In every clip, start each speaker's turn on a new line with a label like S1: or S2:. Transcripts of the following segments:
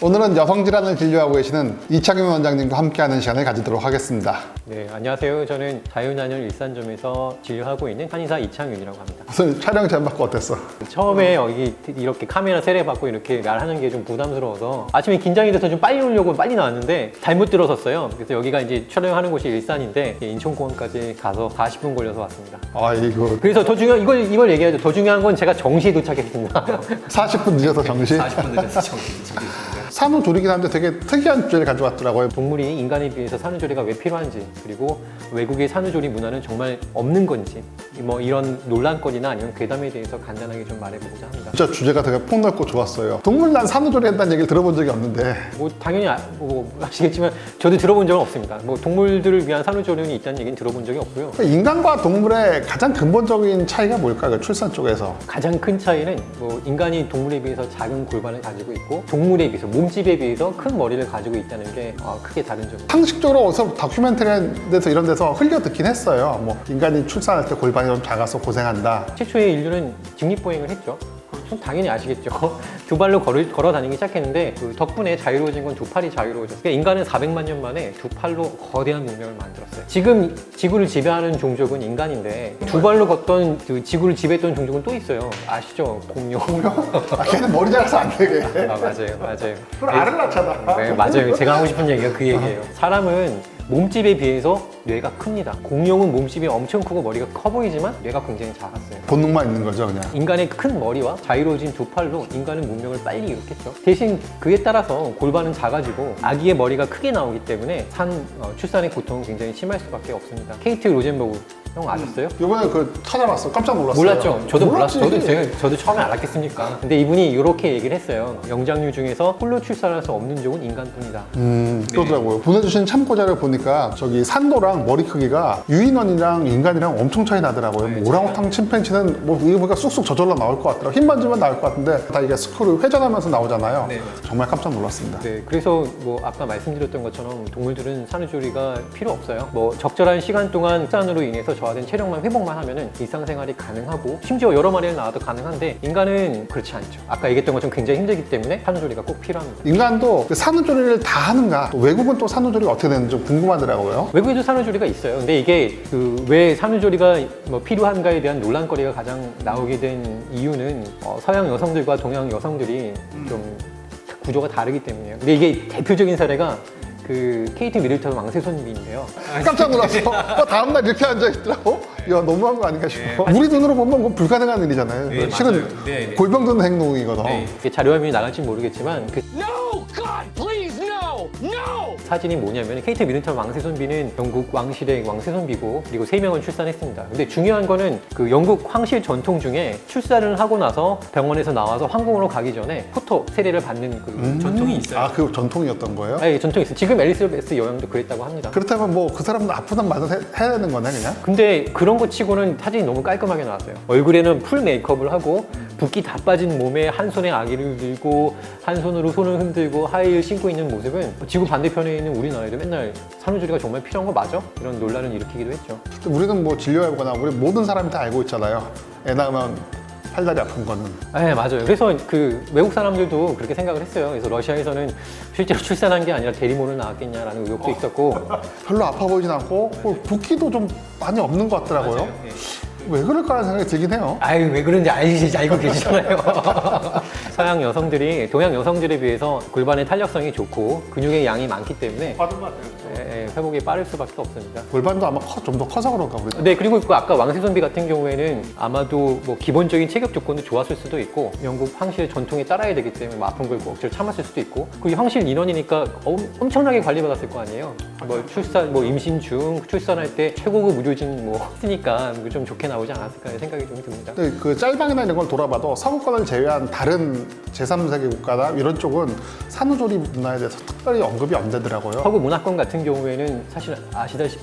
S1: 오늘은 여성 질환을 진료하고 계시는 이창윤 원장님과 함께하는 시간을 가지도록 하겠습니다.
S2: 네, 안녕하세요. 저는 자유난혈 일산점에서 진료하고 있는 한의사 이창윤이라고 합니다.
S1: 오늘 촬영 제안 받고 어땠어?
S2: 처음에 여기 이렇게 카메라 세례 받고 이렇게 말하는 게 좀 부담스러워서 아침에 긴장이 돼서 좀 빨리 오려고 빨리 나왔는데 잘못 들어섰어요. 그래서 여기가 이제 촬영하는 곳이 일산인데 인천공항까지 가서 40분 걸려서 왔습니다.
S1: 아이고,
S2: 그래서 더 중요한 이걸 얘기하죠. 더 중요한 건 제가 정시에 도착했습니다.
S1: 40분 늦어서 정시?
S2: 40분 늦어서 정시.
S1: 산후조리긴 한데 되게 특이한 주제를 가져왔더라고요.
S2: 동물이 인간에 비해서 산후조리가 왜 필요한지, 그리고 외국의 산후조리 문화는 정말 없는 건지, 뭐 이런 논란거리나 아니면 괴담에 대해서 간단하게 좀 말해보고자 합니다.
S1: 진짜 주제가 되게 폭넓고 좋았어요. 동물난 산후조리 한다는 얘기를 들어본 적이 없는데
S2: 뭐 당연히 뭐 아시겠지만 저도 들어본 적은 없습니다. 뭐 동물들을 위한 산후조리는 있다는 얘기는 들어본 적이 없고요.
S1: 인간과 동물의 가장 근본적인 차이가 뭘까요? 출산 쪽에서.
S2: 가장 큰 차이는 뭐 인간이 동물에 비해서 작은 골반을 가지고 있고 동물에 비해서 몸집에 비해서 큰 머리를 가지고 있다는 게 크게 다른 점입니다.
S1: 상식적으로 어디서 다큐멘터리에서 이런 데서 흘려 듣긴 했어요. 뭐 인간이 출산할 때 골반이 좀 작아서 고생한다.
S2: 최초의 인류는 직립보행을 했죠. 당연히 아시겠죠. 두 발로 걸어 다니기 시작했는데 그 덕분에 자유로워진 건 두 팔이 자유로워졌어요. 그러니까 인간은 400만 년 만에 두 팔로 거대한 문명을 만들었어요. 지금 지구를 지배하는 종족은 인간인데 두 발로 걷던 그 지구를 지배했던 종족은 또 있어요. 아시죠? 공룡.
S1: 걔는 머리 작아서 안 되게.
S2: 맞아요.
S1: 그럼 알을 낳잖아.
S2: 네, 맞아요. 제가 하고 싶은 얘기가 그 얘기예요. 사람은 몸집에 비해서 뇌가 큽니다. 공룡은 몸집이 엄청 크고 머리가 커 보이지만 뇌가 굉장히 작았어요.
S1: 본능만 있는 거죠, 그냥.
S2: 인간의 큰 머리와 자유로워진 두 팔로 인간은 문명을 빨리 일으켰죠. 대신 그에 따라서 골반은 작아지고 아기의 머리가 크게 나오기 때문에 출산의 고통은 굉장히 심할 수밖에 없습니다. 케이트 로젠버그 형 아셨어요?
S1: 이번에 찾아봤어. 깜짝 놀랐어요.
S2: 몰랐죠? 저도
S1: 몰랐지.
S2: 몰랐어요. 저도 처음에 알았겠습니까? 근데 이분이 이렇게 얘기를 했어요. 영장류 중에서 홀로 출산할 수 없는 종은 인간뿐이다.
S1: 그러더라고요. 보내주신 참고자를 보니까 저기 산도랑 머리 크기가 유인원이랑 인간이랑 엄청 차이 나더라고요. 뭐 오랑우탕 침팬지는 뭐 이거 보니까 쑥쑥 저절로 나올 것 같더라고요. 힘만 주면 나올 것 같은데 다 이게 스크롤 회전하면서 나오잖아요.
S2: 네,
S1: 정말 깜짝 놀랐습니다.
S2: 네, 그래서 뭐 아까 말씀드렸던 것처럼 동물들은 산후조리가 필요 없어요. 뭐 적절한 시간 동안 출산으로 인해서 저하된 체력만 회복만 하면은 일상생활이 가능하고 심지어 여러 마리를 낳아도 가능한데 인간은 그렇지 않죠. 아까 얘기했던 것처럼 굉장히 힘들기 때문에 산후조리가 꼭 필요합니다.
S1: 인간도 그 산후조리를 다 하는가? 또 외국은 또 산후조리가 어떻게 되는지 좀 궁금하더라고요.
S2: 외국에도 산후조리가 있어요. 근데 이게 왜 산후조리가 뭐 필요한가에 대한 논란거리가 가장 나오게 된 이유는 서양 여성들과 동양 여성들이 좀 구조가 다르기 때문이에요. 근데 이게 대표적인 사례가 그 케이트 미들턴 왕세손비인데요.
S1: 깜짝 놀랐어. 다음날 이렇게 앉아있더라고. 야, 너무한 거 아닌가 싶어. 우리 눈으로 보면 그건 불가능한 일이잖아요. 실은 골병 드는 행동이거든.
S2: 이게 자료화면이 나갈지 모르겠지만
S3: No! God, please, no! No!
S2: 사진이 뭐냐면 케이트 미들턴 왕세손비는 영국 왕실의 왕세손비고 그리고 3명을 출산했습니다. 근데 중요한 거는 그 영국 황실 전통 중에 출산을 하고 나서 병원에서 나와서 황궁으로 가기 전에 포토 세례를 받는 그 전통이 있어요.
S1: 아, 그 전통이었던 거예요?
S2: 네, 전통이 있어요. 지금 엘리자베스 여왕도 그랬다고 합니다.
S1: 그렇다면 뭐 그 사람도 아프단 말도 해야 되는 거네, 그냥?
S2: 근데 그런 거 치고는 사진이 너무 깔끔하게 나왔어요. 얼굴에는 풀 메이크업을 하고 붓기 다 빠진 몸에 한 손에 아기를 들고 한 손으로 손을 흔들고 하이힐 신고 있는 모습은 지구 반대편에 있는 우리나라에도 맨날 산후조리가 정말 필요한 거 맞아? 이런 논란을 일으키기도 했죠.
S1: 우리는 뭐 진료해보거나 우리 모든 사람이 다 알고 있잖아요. 애 낳으면 팔다리 아픈 거는.
S2: 네, 맞아요. 그래서 그 외국 사람들도 그렇게 생각을 했어요. 그래서 러시아에서는 실제로 출산한 게 아니라 대리모를 낳았겠냐라는 의혹도 있었고
S1: 별로 아파 보이진 않고 붓기도 좀 많이 없는 것 같더라고요.
S2: 맞아요. 예.
S1: 왜 그럴까라는 생각이 들긴 해요.
S2: 아유, 왜 그런지 알고 계시잖아요. 서양 여성들이 동양 여성들에 비해서 골반의 탄력성이 좋고 근육의 양이 많기 때문에 회복이 빠를 수밖에 없습니다.
S1: 골반도 아마 좀 더 커서 그런가 우리.
S2: 네, 그리고 그 아까 왕세손비 같은 경우에는 아마도 뭐 기본적인 체격 조건도 좋았을 수도 있고 영국 황실 전통에 따라야 되기 때문에 뭐 아픈 걸 억지로 참았을 수도 있고 그 황실 인원이니까 엄청나게 관리받았을 거 아니에요. 뭐 출산, 뭐 임신 중 출산할 때 최고급 의료진 뭐 했으니까 좀 좋게 나오지 않았을까 생각이 좀 듭니다.
S1: 근데 그 짤방이나 이런 걸 돌아봐도 서구권을 제외한 다른 제3세계 국가나 이런 쪽은 산후조리 문화에 대해서 특별히 언급이 안 되더라고요.
S2: 서구 문화권 같은 경우에는 사실 아시다시피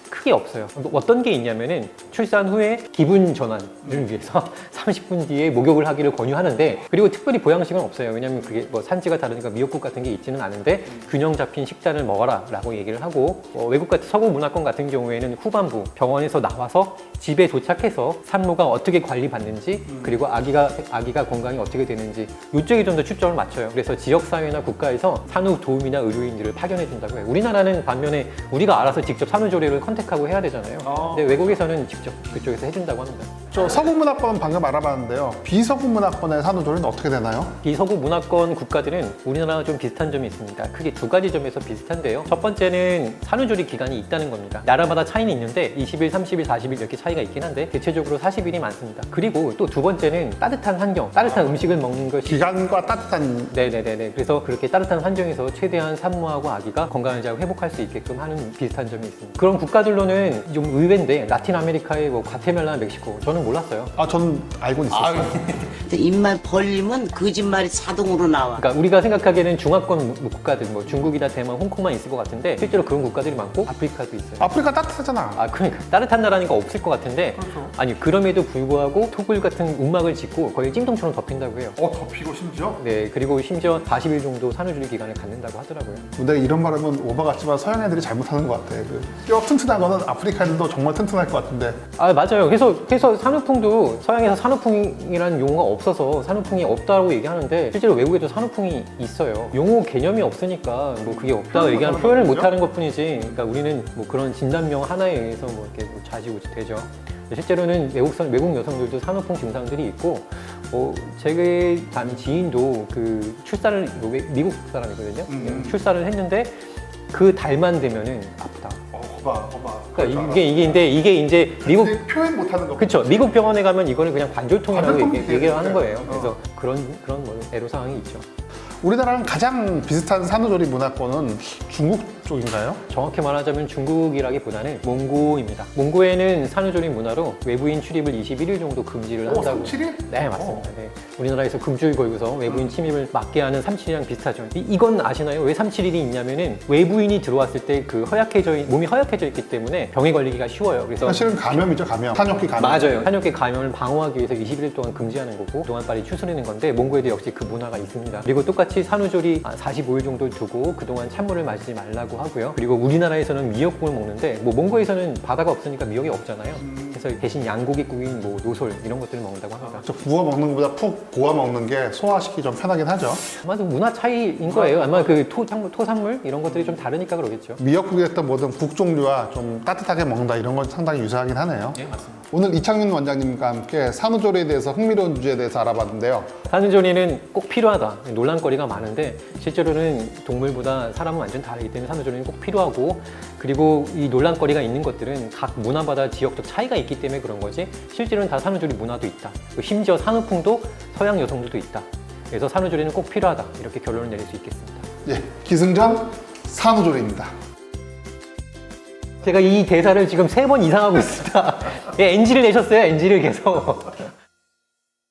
S2: 크게 없어요. 어떤 게 있냐면은 출산 후에 기분 전환을 위해서 30분 뒤에 목욕을 하기를 권유하는데, 그리고 특별히 보양식은 없어요. 왜냐면 그게 뭐 산지가 다르니까 미역국 같은 게 있지는 않은데 균형 잡힌 식단을 먹어라 라고 얘기를 하고, 외국 같은 서구 문화권 같은 경우에는 후반부 병원에서 나와서 집에 도착해서 산모가 어떻게 관리받는지, 그리고 아기가 건강이 어떻게 되는지 이쪽에 좀 더 초점을 맞춰요. 그래서 지역사회나 국가에서 산후 도우미나 의료인들을 파견해 준다고 해요. 우리나라는 반면에 우리가 알아서 직접 산후조리를 컨택하고 해야 되잖아요. 근데 외국에서는 직접 그쪽에서 해준다고 합니다.
S1: 저 서구 문화권은 방금 알아봤는데요. 비서구 문화권의 산후조리는 어떻게 되나요?
S2: 비서구 문화권 국가들은 우리나라와 좀 비슷한 점이 있습니다. 크게 두 가지 점에서 비슷한데요. 첫 번째는 산후조리 기간이 있다는 겁니다. 나라마다 차이는 있는데 20일, 30일, 40일 이렇게 차이가 있긴 한데 대체적으로 40일이 많습니다. 그리고 또 두 번째는 따뜻한 환경, 따뜻한 음식을 먹는 것이
S1: 기간과 따뜻한
S2: 네네네네. 그래서 그렇게 따뜻한 환경에서 최대한 산모하고 아기가 건강을 잘 회복할 수 있게끔 하는 비슷한 점이 있습니다. 그런 국가들로는 좀 의외인데 라틴 아메리카의 뭐 과테말라, 멕시코 저는 몰랐어요.
S1: 저는 알고는 있었어요.
S4: 근데 입만 벌리면 거짓말이 자동으로 나와.
S2: 그러니까 우리가 생각하기에는 중화권 국가들, 뭐 중국이나 대만, 홍콩만 있을 것 같은데 실제로 그런 국가들이 많고 아프리카도 있어요.
S1: 아프리카 따뜻하잖아.
S2: 그러니까 따뜻한 나라니까 없을 것 같은데 아니 그럼에도 불구하고 토굴 같은 움막을 짓고 거의 찜통처럼 덮인다고 해요.
S1: 덮이고 심지어?
S2: 네, 그리고 심지어 40일 정도 산후조리 기간을 갖는다고 하더라고요.
S1: 근데 이런 말 하면 오바 같지만 서양 애들이 잘못하는 것 같아. 뼈 튼튼한 거는 아프리카 애들도 정말 튼튼할 것 같은데.
S2: 맞아요. 그래서 산후풍도 서양에서 산후풍이라는 용어가 없어서 산후풍이 없다고 얘기하는데 실제로 외국에도 산후풍이 있어요. 용어 개념이 없으니까 뭐 그게 없다고 얘기하는 표현을 못하는 것뿐이지. 그러니까 우리는 뭐 그런 진단명 하나에 의해서 뭐 이렇게 뭐 좌지우지 되죠. 실제로는 외국 여성들도 산후풍 증상들이 있고, 제 아는 지인도 그 출산을 미국 사람이거든요. 출산을 했는데 그 달만 되면은 아프다.
S1: 거봐.
S2: 그러니까 이게 이제 미국
S1: 근데 표현 못하는 거.
S2: 그렇죠. 미국 병원에 가면 이거는 그냥 관절통이라고
S1: 관절통이
S2: 얘기를 하는
S1: 돼요.
S2: 거예요. 그래서 그런 뭐 애로사항이 있죠.
S1: 우리나라랑 가장 비슷한 산후조리 문화권은 중국 쪽인가요?
S2: 정확히 말하자면 중국이라기보다는 몽고입니다. 몽고에는 산후조리 문화로 외부인 출입을 21일 정도 금지를 한다고.
S1: 37일?
S2: 네, 맞습니다. 네. 우리나라에서 금주일 걸고서 외부인 침입을 막게 하는 37일이랑 비슷하죠. 이건 아시나요? 왜 37일이 있냐면은 외부인이 들어왔을 때 그 몸이 허약해져 있기 때문에 병에 걸리기가 쉬워요. 그래서
S1: 사실은 감염이죠, 감염. 탄력기 감염.
S2: 맞아요. 한역계 감염을 방어하기 위해서 21일 동안 금지하는 거고 그동안 빨리 추스르는 건데 몽고에도 역시 그 문화가 있습니다. 그리고 똑같이 산후조리 45일 정도 두고 그동안 찬물을 마시지 말라고 하고요. 그리고 우리나라에서는 미역국을 먹는데 뭐 몽고에서는 바다가 없으니까 미역이 없잖아요. 그래서 대신 양고기국인 뭐 노솔 이런 것들을 먹는다고 합니다.
S1: 저 구워 먹는 것보다 푹 고아 먹는 게 소화시키기 좀 편하긴 하죠.
S2: 아마도 문화 차이인 거예요. 아마 그 토산물 이런 것들이 좀 다르니까 그러겠죠.
S1: 미역국이 됐던 모든 국 종류와 좀 따뜻하게 먹는다 이런 건 상당히 유사하긴 하네요.
S2: 네, 맞습니다.
S1: 오늘 이창윤 원장님과 함께 산후조리에 대해서 흥미로운 주제에 대해서 알아봤는데요.
S2: 산후조리는 꼭 필요하다. 논란거리가 많은데 실제로는 동물보다 사람은 완전 다르기 때문에 산후조리는 꼭 필요하고, 그리고 이 논란거리가 있는 것들은 각 문화마다 지역적 차이가 있기 때문에 그런 거지 실제로는 다 산후조리 문화도 있다. 심지어 산후풍도 서양 여성들도 있다. 그래서 산후조리는 꼭 필요하다. 이렇게 결론을 내릴 수 있겠습니다.
S1: 예, 기승전 산후조리입니다.
S2: 제가 이 대사를 지금 3번 이상 하고 있습니다. 예, NG를 내셨어요. NG를 계속.